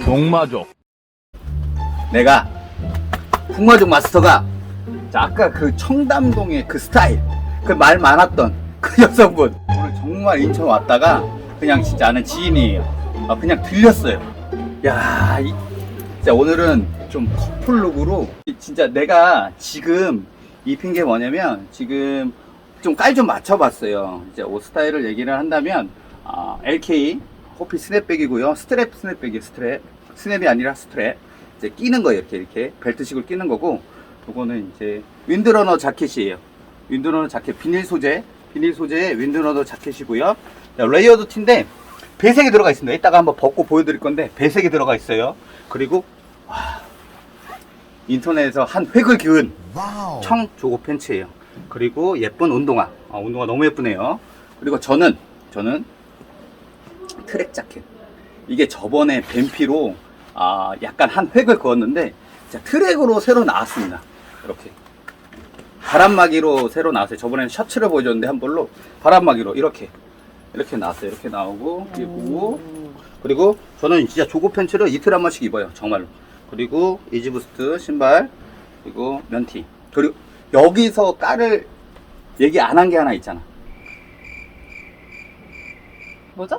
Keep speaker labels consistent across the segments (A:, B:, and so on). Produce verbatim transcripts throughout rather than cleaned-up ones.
A: 동마족.
B: 내가 풍마족 마스터가 자, 아까 그 청담동의 그 스타일, 그 말 많았던 그 여성분 오늘 정말 인천 왔다가 그냥 진짜 아는 지인이에요. 아, 그냥 들렸어요. 야, 이, 진짜 오늘은 좀 커플룩으로 진짜 내가 지금 입힌 게 뭐냐면 지금 좀 깔 좀 맞춰봤어요. 이제 옷 스타일을 얘기를 한다면 아, 엘케이 호피 스냅백이고요. 스트랩 스냅백이에요. 스트랩 스냅이 아니라 스트랩. 이제 끼는 거예요. 이렇게 이렇게 벨트식으로 끼는 거고, 요거는 이제 윈드러너 자켓이에요. 윈드러너 자켓 비닐 소재, 비닐 소재의 윈드러너 자켓이고요. 레이어드 티인데 배색이 들어가 있습니다. 이따가 한번 벗고 보여드릴 건데 배색이 들어가 있어요. 그리고 와, 인터넷에서 한 획을 그은 청 조거 팬츠예요. 그리고 예쁜 운동화. 아, 운동화 너무 예쁘네요. 그리고 저는 저는 트랙 자켓. 이게 저번에 뱀피로 아, 약간 한 획을 그었는데 자, 트랙으로 새로 나왔습니다. 이렇게 바람막이로 새로 나왔어요. 저번에는 셔츠를 보여줬는데 한 벌로 바람막이로 이렇게 이렇게 나왔어요. 이렇게 나오고, 그리고 그리고 저는 진짜 조거 팬츠를 이틀 한 번씩 입어요. 정말로. 그리고 이지부스트 신발, 그리고 면티. 그리고 여기서 깔을 얘기 안 한 게 하나 있잖아.
C: 뭐죠?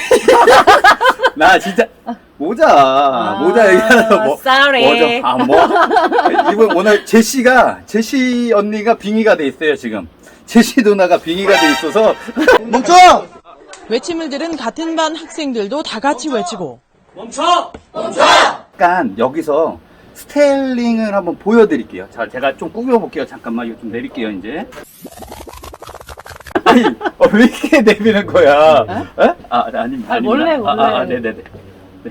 B: 나 진짜 모자
C: 아,
B: 모자 얘기하는 뭐
C: sorry.
B: 뭐죠? 아 뭐 이번 오늘 제시가 제시 언니가 빙의가 돼 있어요. 지금 제시 누나가 빙의가 돼 있어서 멈춰!
D: 외침을 들은 같은 반 학생들도 다 같이 외치고
B: 멈춰! 멈춰! 약간 여기서 스타일링을 한번 보여드릴게요. 자, 제가 좀 꾸며볼게요. 잠깐만 이거 좀 내릴게요. 이제. 아니, 어, 왜 이렇게 내미는 거야? 에? 에? 아, 아닙니다.
C: 아, 몰래,
B: 아닙니다.
C: 몰래.
B: 아, 아, 네네네. 네.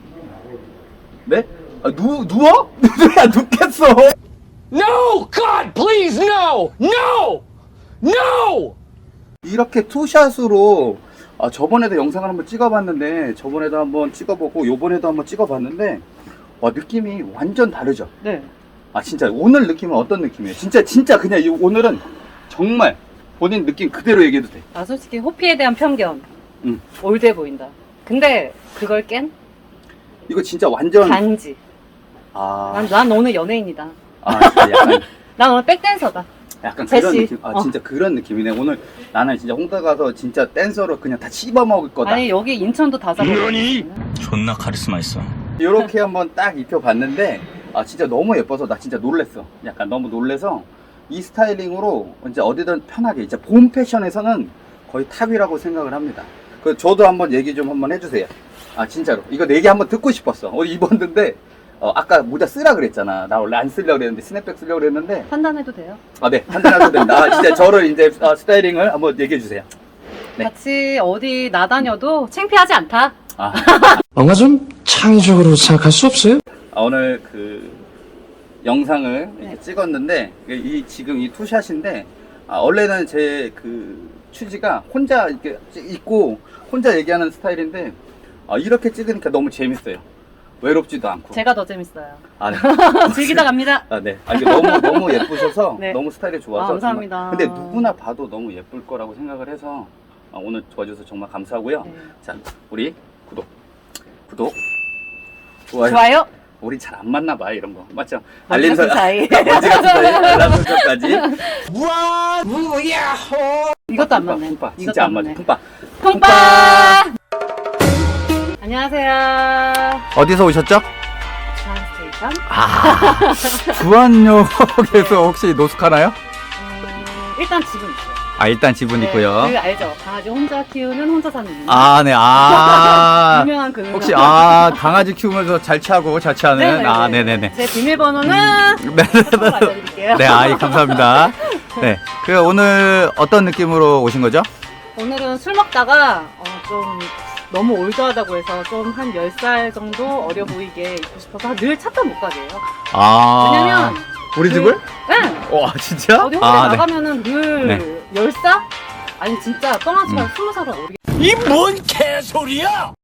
B: 네? 아, 누, 누워? 누야, 눕겠어.
A: No! God, please, no! No! No!
B: 이렇게 투샷으로, 아, 저번에도 영상을 한번 찍어봤는데, 저번에도 한번 찍어보고, 요번에도 한번 찍어봤는데, 와, 느낌이 완전 다르죠?
C: 네.
B: 아, 진짜, 오늘 느낌은 어떤 느낌이에요? 진짜, 진짜 그냥 이, 오늘은 정말 본인 느낌 그대로 얘기해도 돼.
C: 아, 솔직히 호피에 대한 편견.
B: 응.
C: 올드해 보인다. 근데 그걸 깬
B: 이거 진짜 완전.
C: 반지.
B: 아,
C: 난, 난 오늘 연예인이다.
B: 아, 진짜 약간.
C: 난 오늘 백댄서다.
B: 약간 그런
C: 제시.
B: 느낌. 아,
C: 어.
B: 진짜 그런 느낌이네. 오늘 나는 진짜 홍대 가서 진짜 댄서로 그냥 다 씹어먹을 거다.
C: 아니, 여기 인천도 다 잡아.
A: 존나 카리스마 있어.
B: 이렇게 한번 딱 입혀봤는데, 아, 진짜 너무 예뻐서 나 진짜 놀랬어. 약간 너무 놀래서 이 스타일링으로 이제 어디든 편하게, 이제 봄 패션에서는 거의 탑이라고 생각을 합니다. 그 저도 한번 얘기 좀 한번 해주세요. 아, 진짜로. 이거 내 얘기 한번 듣고 싶었어. 오늘 입었는데, 어, 아까 모자 쓰라 그랬잖아. 나 원래 안 쓰려고 그랬는데, 스냅백 쓰려고 그랬는데,
C: 판단해도 돼요?
B: 아, 네. 판단하셔도 됩니다. 아, 진짜 저를 이제 아, 스타일링을 한번 얘기해 주세요. 네.
C: 같이 어디 나다녀도 창피하지 않다.
B: 아,
E: 뭔가 좀 창의적으로 생각할 수 없어요?
B: 아, 오늘 그 영상을 이렇게
C: 네.
B: 찍었는데 이 지금 이 투샷인데 아, 원래는 제 그 취지가 혼자 이렇게 있고 혼자 얘기하는 스타일인데 아, 이렇게 찍으니까 너무 재밌어요. 외롭지도 않고.
C: 제가 더 재밌어요.
B: 아, 네.
C: 즐기다 갑니다.
B: 아, 네. 아, 이게 너무 너무 예쁘셔서
C: 네.
B: 너무 스타일이 좋아서.
C: 아, 감사합니다.
B: 정말, 근데 누구나 봐도 너무 예쁠 거라고 생각을 해서 아, 오늘 도와줘서 정말 감사하고요.
C: 네.
B: 자, 우리 구독, 구독, 좋아요.
C: 좋아요?
B: 우리 잘 안 맞나 봐 이런 거 맞죠?
C: 먼지 같은 사이.
B: 먼지 같은 사이 알람 설정까지.
A: 와, 무야호!
C: 이것도 안 맞네.
B: 품빠
C: 이것도
B: 진짜 안 맞아.
C: 맞네.
B: 품빠.
C: 통빠! 안녕하세요.
B: 어디서 오셨죠?
C: 주한스테이션.
B: 아, 주안역에서 혹시 노숙하나요?
C: 음, 일단 집은 있어요.
B: 아, 일단 지분
C: 네,
B: 있고요.
C: 그 알죠? 강아지 혼자 키우는 혼자 사는 분.
B: 아, 네. 아.
C: 유명한 그
B: 혹시 아, 강아지 키우면서 잘 취하고 잘 취하는
C: 네네네.
B: 아, 네, 네, 네.
C: 제 비밀번호는
B: 네,
C: 참고로 알려드릴게요.
B: 네, 아이 감사합니다. 네. 그 오늘 어떤 느낌으로 오신 거죠?
C: 오늘은 술 먹다가 어, 좀 너무 올드하다고 해서 좀 한 열 살 정도 어려 보이게 입고 싶어서 늘 찾다 못 가게요.
B: 아.
C: 왜냐면
B: 우리
C: 그-
B: 집을?
C: 네.
B: 와, 진짜?
C: 어디 혼자
B: 아, 네.
C: 나가면은 늘
B: 네.
C: 열 살? 아니 진짜 뻥아치면
B: 음.
C: 스무 살은 어리
A: 이 뭔 개소리야!